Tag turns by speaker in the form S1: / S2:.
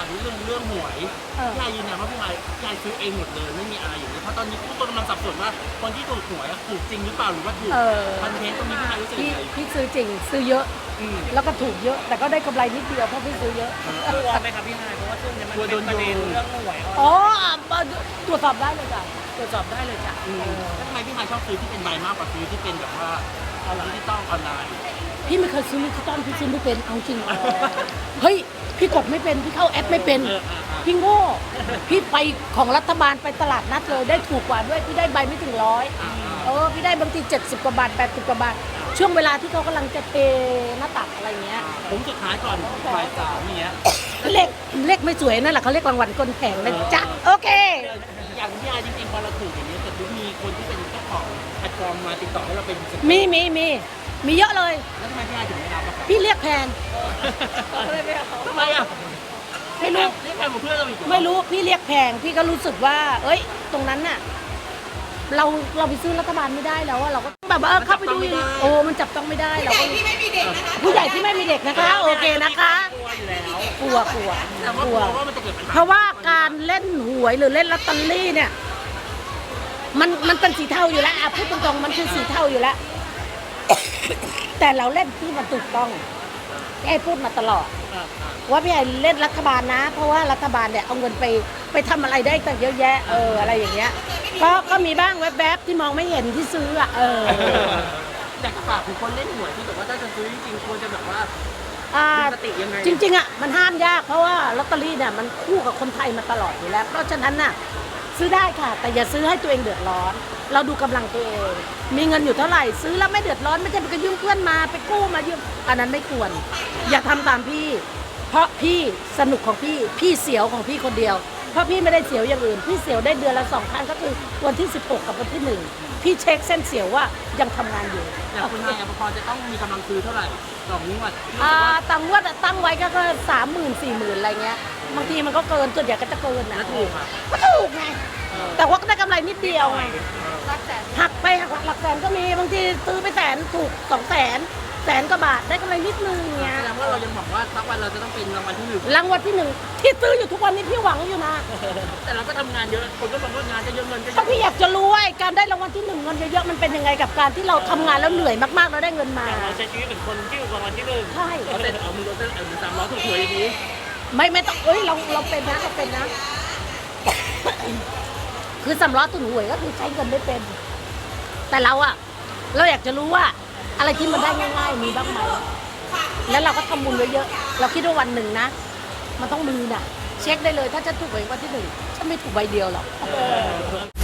S1: ามเรื่องหวยพี่ไอยืนยันว่าพี่ไอซื้อเองหมดเลยไม่มีอะไรอย่างนี้เพราะตอนนี้ทุกคนกำลังสับสนว่าคนที่ถูกหวยถูกจริงหรือเปล่าหรือว่าถูกคอนเทนต์ตรงนี้พี่ไอรู้สึกยังไง
S2: พี่ซื้อจริงซื้อเยอะแล้วก็ถูกเยอะแต่ก็ได้กำไรนิดเดียวเพราะพี่ซื้อเยอะ
S3: กลัวไหมครับพี่ไฮเพราะว่าช่วงนี้มันเป็นประเด็นเรื่องหวย
S2: อ๋อตรวจสอบได้เลยจ้ะตรวจสอบได้เลยจ้ะ
S1: แล้วทำไมพี่ไอชอบซื้อที่เป็นใบมากกว่าซื้อที่เป็นแบบว่าดิจิตอลออนไลน์
S2: พี่ไม่เคยซื้อดิจิตอลพี่ซื้อไม่เป็นเอาจริงเฮ้ยพี่กดไม่เป็นพี่เข้าแอปไม่เป็นพี่โง่พี่ไปของรัฐบาลไปตลาดนัดเลยได้ถูกกว่าด้วยพี่ได้ใบไม่ถึง100พี่ได้บางที70 กว่าบาท80 กว่าบาทช่วงเวลาที่เขากำลังจะเทหน้าตักอะไรเงี้ย
S1: ผมสุดท้ายก่อนบ่าย 3อย่างเงี้ย
S2: เลขไม่สวยนั่นแหละเขาเรียกรางวัลก้นแผงนะจ๊ะโอเค
S1: อย่างพี่ไอจริงๆพอเราถูกอย่างนี้แต่ดูมีคนที่เป็นเจ้าของแพลตฟอร์มมาติดต่อให้เราเป็น
S2: มีเยอะเลย
S1: แล้วทำไมพี่ไอถึงไม่รับอะครับ
S2: พี่เรียกแพง
S1: ทำไมอะ
S2: ไม่รู้
S1: เรียกแพงกว่าเพื่อนเราอีก
S2: ไม่รู้พี่เรียกแพงพี่ก็รู้สึกว่าเอ้ยตรงนั้นน่ะเราไปซื้อรัฐบาลไม่ได้แล้วเราก็แบบเข้าไปดูโอ้มันจับต้องไม่ได้เราก็ผู้ใหญ่ที่ไม่มีเด็กนะคะโอเคนะคะกลัวเพราะว่าการเล่นหวยหรือเล่นลอตเตอรี่เนี่ยมันเป็นสีเทาอยู่แล้วพูดตรงๆมันคือสีเทาอยู่แล้วแต่เราเล่นที่มันถูกต้องพี่ไอ้พูดมาตลอดว่าพี่ไอ้เล่นรัฐบาลนะเพราะว่ารัฐบาลเนี่ยเอาเงินไปทำอะไรได้ตั้งเยอะแยะอะไรอย่างเงี้ยก็มีบ้างแวบๆที่มองไม่เห็นที่ซื้อ
S1: แต่ฝากถึงคนเล่นหวยที่แบบว่าถ้าจะซื้อจริงควรจะแบบว่าสติยังไง
S2: จริงๆมันห้ามยากเพราะว่าลอตเตอรี่เนี่ยมันคู่กับคนไทยมาตลอดอยู่แล้วเพราะฉะนั้นน่ะซื้อได้ค่ะแต่อย่าซื้อให้ตัวเองเดือดร้อนเราดูกำลังตัวเองมีเงินอยู่เท่าไหร่ซื้อแล้วไม่เดือดร้อนไม่ใช่ไปยืมเพื่อนมาไปกู้มายืมอันนั้นไม่ควรอย่าทำตามพี่เพราะพี่สนุกของพี่เสียวของพี่คนเดียวเพราะพี่ไม่ได้เสียวอย่างอื่นพี่เสียวได้เดือนละ2 ครั้งก็คือวันที่16กับวันที่1พี่เช็คเส้นเสียวว่ายังทำงานอยู่
S1: อย่างคุณนายพอจะต้องมีกำลังซื้อเท่าไหร่ต่องวด
S2: ต่างวดตั้งไว้ก็30,000 40,000อะไรเงี้ยบางทีมันก็เกินส่วนใหญ่ก็จะเกินนะ
S1: ถูก
S2: ก็ถูกไงแต่ว่าก็ได้กำไรนิดเดียวไงหักไปหักหลักแสนก็มีบางทีซื้อไป100,000ถูก200,000 กว่าบาทได้กำไรนิดนึงเงี้ย
S1: แสดงว่าเรายังหวังว่าสักวันเราจะต้องเป็นรางวัลที่
S2: 1รางวัลที่1ที่ซื้ออยู่ทุกวันนี้พี่หวังอยู่นะ
S1: แต่เราก็ทำงานเยอะคนก็บอกว่างานจะเยอะเงินก็เย
S2: อะพี่อยากจะรู้ว่าการได้รางวัลที่1เงินเยอะๆมันเป็นยังไงกับการที่เราทำงานแล้วเหนื่อยมากๆแล้วได้เงินมา
S3: เราใช้ชีวิตเป็นคนที่รางวัลที่1
S2: ใช่
S1: เอาแต่เอามือ300ถูกหวยอย่างนี้
S2: ไม่ต้องเราเป็นนะคือ300ตุนหวยก็คือใช้เงินไม่เป็นแต่เราอยากจะรู้ว่าอะไรที่มันได้ง่ายๆมีบ้างไหมแล้วเราก็ทำบุญเยอะๆเราคิดว่าวันหนึ่งนะมันต้องมีน่ะเช็คได้เลยถ้าจะถูกหวยวันที่1ฉันไม่ถูกใบเดียวหรอก